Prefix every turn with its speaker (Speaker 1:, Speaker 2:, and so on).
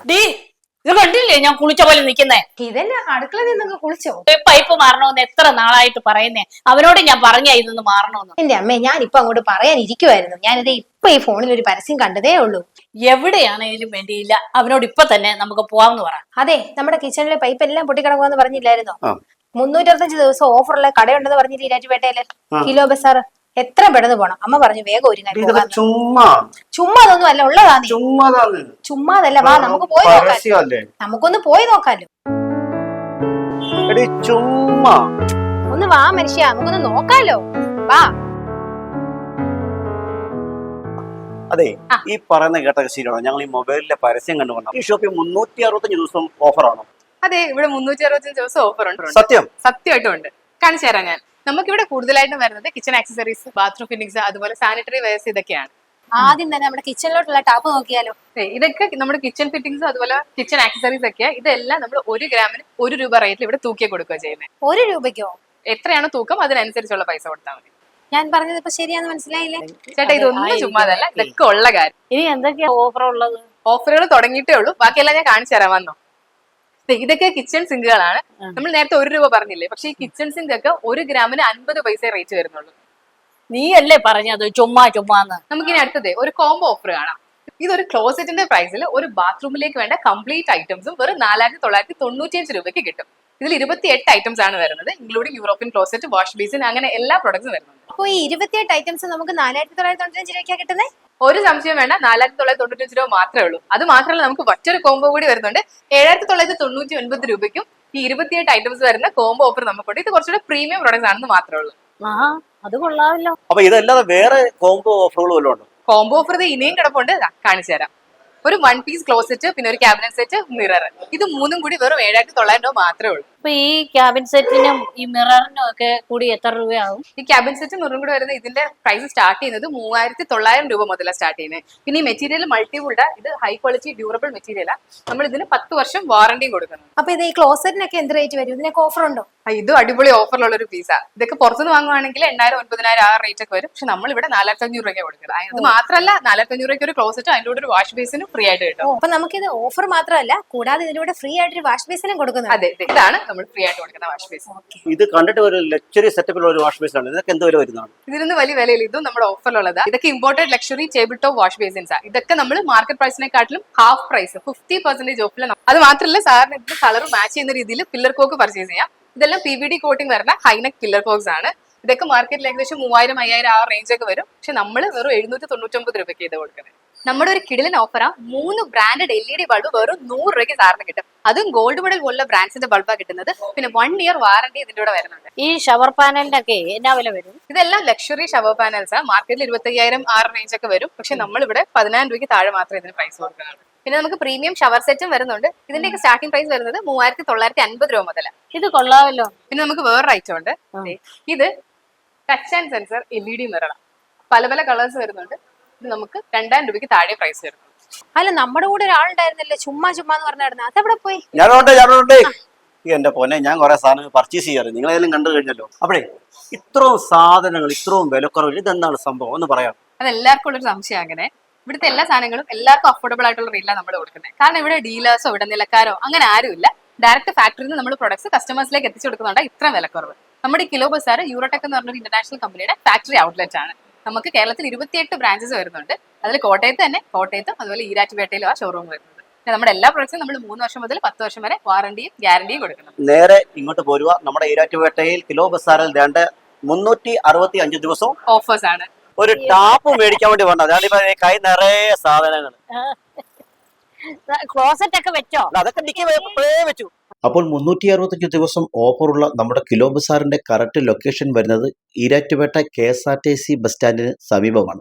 Speaker 1: D ഇത് കണ്ടില്ലേ ഞാൻ കുളിച്ച പോലെ നിക്കുന്നേ.
Speaker 2: ഇതന്നെ അടുക്കളയിൽ നിന്നൊക്കെ കുളിച്ചോ?
Speaker 1: പൈപ്പ് മാറണമെന്ന് എത്ര നാളായിട്ട് പറയുന്നേ. അവനോട് ഞാൻ പറഞ്ഞ ഇതൊന്ന് മാറണമെന്ന്.
Speaker 2: എന്റെ അമ്മേ, ഞാൻ ഇപ്പൊ അങ്ങോട്ട് പറയാനിരിക്കുവായിരുന്നു. ഞാനിത് ഇപ്പൊ ഈ ഫോണിൽ ഒരു പരസ്യം കണ്ടതേ ഉള്ളൂ.
Speaker 1: എവിടെയാണേലും വേണ്ടിയില്ല, അവനോട് ഇപ്പൊ തന്നെ നമുക്ക് പോവാന്ന് പറ.
Speaker 2: അതെ, നമ്മുടെ കിച്ചണിലെ പൈപ്പ് എല്ലാം പൊട്ടിക്കിടക്കുമെന്ന് പറഞ്ഞില്ലായിരുന്നോ? 365 ദിവസം ഓഫറുള്ള കടയുണ്ടെന്ന് പറഞ്ഞിട്ട് ഈരാറ്റുപേട്ടയില് കിലോ ബസാർ. എത്ര പെട്ടെന്ന് പോണം. അമ്മ പറഞ്ഞു വേഗം ഒരുങ്ങാൻ. ചുമ്മാ അതൊന്നും അല്ല, ഉള്ളതാണ്. ചുമ്മാതല്ല, വാ നമുക്ക് പോയി നോക്കാം. നമുക്കൊന്ന് പോയി നോക്കാലോ. ഒന്ന് വാ മനുഷ്യ, നമുക്കൊന്ന് നോക്കാലോ. വാ.
Speaker 3: അതെ, ഈ പറയുന്ന കേട്ട ശരിയാണോ? ഞങ്ങൾ ഈ മൊബൈലിലെ പരസ്യം കണ്ടുകൊണ്ടാണ് ഈ ഷോപ്പിൽ 365 ദിവസം ഓഫറാണോ?
Speaker 4: അതെ, ഇവിടെ 365 ദിവസം ഓഫർ ഉണ്ട്.
Speaker 3: സത്യമായിട്ടും
Speaker 4: ഉണ്ട്. കാണിച്ചു തരാം ഞാൻ. നമുക്കിവിടെ കൂടുതലായിട്ടും വരുന്നത് കിച്ചൺ ആക്സസറീസ്, ബാത്റൂം ഫിറ്റിംഗ്സ്, അതുപോലെ സാനിറ്ററി വെയർസ് ഇതൊക്കെയാണ്.
Speaker 2: ആദ്യം തന്നെ നമ്മുടെ കിച്ചണിലോട്ടുള്ള ടാപ്പ് നോക്കിയാലോ?
Speaker 4: ഇതൊക്കെ നമ്മുടെ കിച്ചൺ ഫിറ്റിംഗ്സ് അതുപോലെ കിച്ചൺ ആക്സസറീസ് ഒക്കെയാ. ഇതെല്ലാം നമ്മൾ 1 ഗ്രാമിന് 1 രൂപ റേറ്റിൽ ഇവിടെ തൂക്കി കൊടുക്കുക ചെയ്യുന്നത്.
Speaker 2: 1 രൂപയ്ക്കോ?
Speaker 4: എത്രയാണോ തൂക്കം അതിനനുസരിച്ചുള്ള പൈസ കൊടുത്താൽ മതി.
Speaker 2: ഞാൻ പറഞ്ഞത് ഇപ്പൊ ശരിയാന്ന് മനസ്സിലായില്ലേ
Speaker 4: ചേട്ടാ? ഇതൊന്നും ചുമ്മാതല്ല, ഇതൊക്കെ ഉള്ള കാര്യം.
Speaker 1: ഇനി എന്തൊക്കെയാ ഓഫർ ഉള്ളത്?
Speaker 4: ഓഫറുകൾ തുടങ്ങിയിട്ടേ ഉള്ളൂ, ബാക്കിയെല്ലാം ഞാൻ കാണിച്ചു തരാൻ വന്നോ. ഇതൊക്കെ കിച്ചൺ സിങ്കുകളാണ്. നമ്മൾ നേരത്തെ 1 രൂപ പറഞ്ഞില്ലേ, പക്ഷേ ഈ കിച്ചൺ സിങ്ക് ഒക്കെ 1 ഗ്രാമിന് 50 പൈസ റേറ്റ് വരുന്നുള്ളൂ.
Speaker 1: നീ അല്ലേ പറഞ്ഞത് ചുമ്മാന്ന്?
Speaker 4: നമുക്കിനി അടുത്തത് ഒരു കോംബോ ഓഫർ കാണാം. ഇതൊരു ക്ലോസറ്റിന്റെ പ്രൈസിൽ ഒരു ബാത്റൂമിലേക്ക് വേണ്ട കംപ്ലീറ്റ് ഐറ്റംസും വെറും 4995 രൂപയ്ക്ക് കിട്ടും. ഇതിൽ 28 ഐറ്റംസ് ആണ് വരുന്നത്, including European closet, wash basin, അങ്ങനെ എല്ലാ പ്രൊഡക്ട്സും വരുന്നുണ്ട്.
Speaker 2: അപ്പൊ ഈ 28 ഐറ്റംസ് നമുക്ക് 4995 രൂപയ്ക്കാണ് കിട്ടുന്നത്?
Speaker 4: ഒരു സംശയം വേണ്ട, 4995 രൂപ മാത്രമേ ഉള്ളൂ. അത് മാത്രമല്ല, നമുക്ക് മറ്റൊരു കോംബോ കൂടി വരുന്നുണ്ട്. 7999 രൂപയ്ക്കും ഈ 28 ഐറ്റംസ് വരുന്ന കോംബോ ഓഫർ നമുക്കുണ്ട്. ഇത് കുറച്ചുകൂടെ പ്രീമിയം പ്രൊഡക്ട്സ് ആണെന്ന് മാത്രമേ ഉള്ളൂ.
Speaker 1: അത് കൊള്ളാമല്ലോ.
Speaker 3: അപ്പൊ ഇതല്ലാതെ വേറെ കോംബോ ഓഫറുകൾ വല്ലതും ഉണ്ടോ?
Speaker 4: കോംബോ ഓഫർ ഇനിയും കിടപ്പുണ്ട്, കാണിച്ചു തരാം. ഒരു 1 പീസ് ക്ലോസറ്റ്, പിന്നെ ഒരു ക്യാബിനറ്റ് സെറ്റ്, മിറർ, ഇത് മൂന്നും കൂടി വെറും 7900 രൂപ മാത്രമേ ഉള്ളൂ.
Speaker 1: അപ്പൊ ഈ ക്യാബിൻ സെറ്റിനും ഈ മിററിനും ഒക്കെ കൂടി എത്ര രൂപയാവും?
Speaker 4: ഈ ക്യാബിൻ സെറ്റും മിററും കൂടി വരുന്നത് ഇതിന്റെ പ്രൈസ് സ്റ്റാർട്ട് ചെയ്യുന്നത് 3900 രൂപ മുതലാണ് സ്റ്റാർട്ട് ചെയ്യുന്നത്. പിന്നെ ഈ മെറ്റീരിയൽ മൾട്ടിവുഡ്, ഇത് ഹൈ ക്വാളിറ്റി ഡ്യൂറബിൾ മെറ്റീരിയലാണ്. നമ്മൾ ഇതിന് 10 വർഷം വാറണ്ടിയും കൊടുക്കുന്നത്.
Speaker 2: അപ്പൊ ഇത് ഈ ക്ലോസറ്റിനൊക്കെ എന്ത് റേറ്റ് വരും? ഇതിനൊക്കെ ഓഫർ ഉണ്ടോ?
Speaker 4: ഇതും അടിപൊളി ഓഫറിലുള്ള ഒരു പീസാ. ഇതൊക്കെ പുറത്തുനിന്ന് വാങ്ങുവാണെങ്കിൽ 8000 9000 ആ റേറ്റ് ഒക്കെ വരും. പക്ഷെ നമ്മൾ ഇവിടെ 4500 രൂപയ്ക്ക് കൊടുക്കുന്നത്. അത് മാത്രമല്ല, 4500 രൂപയ്ക്ക് ഒരു ക്ലോസറ്റ്, അതിൻ്റെ കൂടെ ഒരു വാഷ് ബേസിനും ഫ്രീ ആയിട്ട് കിട്ടും.
Speaker 2: അപ്പൊ നമുക്കിത് ഓഫർ മാത്രമല്ല, കൂടാതെ ഇതിലൂടെ ഫ്രീ ആയിട്ട് വാഷ് ബേസിനും കൊടുക്കുന്നത്.
Speaker 4: അതെ, ഇതാണ് നമ്മൾ ഫ്രീ ആയിട്ട് കൊടുക്കുന്ന വാഷ് ബേസിൻ.
Speaker 3: ഇത് കണ്ടിട്ട് ഒരു ലക്ഷറി സെറ്റപ്പിലുള്ള ഒരു വാഷ് ബേസിനാണ്. ഇതൊക്കെ എന്ത് വില വരുന്നതാണ്?
Speaker 4: ഇതിനൊന്നും വലിയ വിലയില്ല, ഇതും നമ്മുടെ ഓഫറിലുള്ളതാ. ഇതൊക്കെ imported luxury table top wash ബേസിൻസാ. ഇതൊക്കെ നമ്മൾ മാർക്കറ്റ് പ്രൈസിനെക്കാട്ടിലും ഹാഫ് പ്രൈസ്, 50% ഓഫിൽ. അത് മാത്രമല്ല, സാറിന് ഇതിന് കളർ മാച്ച് ചെയ്യുന്ന രീതിയിൽ പില്ലർ കോക്ക് പർച്ചേസ് ചെയ്യാം. ഇതെല്ലാം PVD കോട്ടിംഗ് വരുന്ന ഹൈനെക്ക് പില്ലർ കോക്സ് ആണ്. ഇതൊക്കെ മാർക്കറ്റിൽ ഏകദേശം 3000 5000 ആ റേഞ്ച് ഒക്കെ വരും. പക്ഷെ നമ്മൾ വെറും 799 രൂപയ്ക്ക് ഇത് കൊടുക്കുന്നത്. നമ്മുടെ ഒരു കിടിലൻ ഓഫറാ. 3 ബ്രാൻഡഡ് LED ബൾബ് വെറും 100 രൂപയ്ക്ക് സാറിന് കിട്ടും. അതും ഗോൾഡ് മെഡൽ പോലുള്ള ബ്രാൻഡ്സിന്റെ ബൾബാണ് കിട്ടുന്നത്. പിന്നെ 1 ഇയർ വാറണ്ടി ഇതിന്റെ കൂടെ വരുന്നുണ്ട്.
Speaker 1: ഈ ഷവർ പാനലിന്റെ ഒക്കെ എന്നാ വില വരും?
Speaker 4: ഇതെല്ലാം ലക്ഷറി ഷവർ പാനൽസാ. മാർക്കറ്റിൽ 25000 ആ റേഞ്ച് ഒക്കെ വരും. പക്ഷെ നമ്മൾ ഇവിടെ 10000 രൂപയ്ക്ക് താഴെ മാത്രമേ ഇതിന് പ്രൈസ് കൊടുക്കുന്നുള്ളൂ. പിന്നെ നമുക്ക് പ്രീമിയം ഷവർ സെറ്റും വരുന്നുണ്ട്. ഇതിന്റെയൊക്കെ സ്റ്റാർട്ടിംഗ് പ്രൈസ് വരുന്നത് 3950 രൂപ മുതൽ.
Speaker 1: ഇത് കൊള്ളാമല്ലോ.
Speaker 4: പിന്നെ നമുക്ക് വേറൊരു ഐറ്റം ഉണ്ട്. ഇത് ടച്ച് ആൻഡ് സെൻസർ LED മിററാണ്. പല പല കളേഴ്സ് വരുന്നുണ്ട്. ഇത് നമുക്ക് 2000 രൂപയ്ക്ക് താഴെ പ്രൈസ് വരുന്നു.
Speaker 2: അല്ല, നമ്മുടെ കൂടെ ഒരാളുണ്ടായിരുന്നല്ലേ ചുമ്മാ എന്ന് പറഞ്ഞായിരുന്നു, അതെവിടെ പോയി?
Speaker 3: ഞാനുണ്ട്. എന്റെ പൊന്നെ, ഞാൻ കുറെ സാധനങ്ങൾ പർച്ചേസ് ചെയ്യാറ്, നിങ്ങളെല്ലാം കണ്ടു കഴിഞ്ഞല്ലോ. അപ്പോഴേ ഇത്രയും സാധനങ്ങൾ ഇത്രയും വിലക്കുറവിൽ ഇതെന്താണ് സംഭവം ഒന്ന് പറയാം?
Speaker 4: അത് എല്ലാവർക്കും ഉള്ളൊരു സംശയം. അങ്ങനെ ഇവിടുത്തെ എല്ലാ സാധനങ്ങളും എല്ലാവർക്കും അഫോർഡബിൾ ആയിട്ടുള്ള റേറ്റിലാണ് നമ്മൾ കൊടുക്കുന്നത്. കാരണം ഇവിടെ ഡീലേഴ്സോ ഇവിടെ നിലക്കാരോ അങ്ങനെ ആരുമില്ല. ഡയറക്റ്റ് ഫാക്ടറിയിൽ നിന്ന് നമ്മൾ പ്രൊഡക്ട്സ് കസ്റ്റമേഴ്സിലേക്ക് എത്തിച്ചു കൊടുക്കുന്നുണ്ട്. ഇത്ര വിലക്കുറവ്. നമ്മുടെ കിലോ ബസാർ യൂറോടെക് എന്ന് പറഞ്ഞൊരു ഇന്റർനാഷണൽ കമ്പനിയുടെ ഫാക്ടറി ഔട്ട്ലെറ്റ് ആണ്. നമുക്ക് കേരളത്തിൽ 28 ബ്രാഞ്ചസ് വരുന്നുണ്ട്. അതിൽ കോട്ടയത്തും അതുപോലെ ഈരാറ്റുപേട്ടയിലും ആ ഷോറൂം വരുന്നത്. നമ്മുടെ എല്ലാ പ്രൊഡക്ട്സും നമ്മൾ 3 വർഷം മുതൽ 10 വർഷം വരെ വാറണ്ടിയും ഗ്യാരണ്ടിയും കൊടുക്കണം.
Speaker 3: നേരെ ഇങ്ങോട്ട് പോരുക. നമ്മുടെ ഈരാറ്റുപേട്ടയിൽ കിലോ ബസാറിൽ 365 ദിവസവും
Speaker 4: ഓഫേഴ്സ് ആണ്.
Speaker 3: ഒരു ടാപ്പ് മേടിക്കാൻ വേണ്ടി വന്നത്. അതാണ് കൈ നിറയെ സാധനങ്ങൾ.
Speaker 1: ക്ലോസറ്റ് ഒക്കെ വെച്ചോ?
Speaker 3: അതൊക്കെ വെച്ചു. അപ്പോൾ 365 ദിവസം ഓഫറുള്ള നമ്മുടെ കിലോ ബസാറിന്റെ കറക്റ്റ് ലൊക്കേഷൻ വരുന്നത് ഈരാറ്റുപേട്ട KSRTC ബസ് സ്റ്റാൻഡിന് സമീപമാണ്.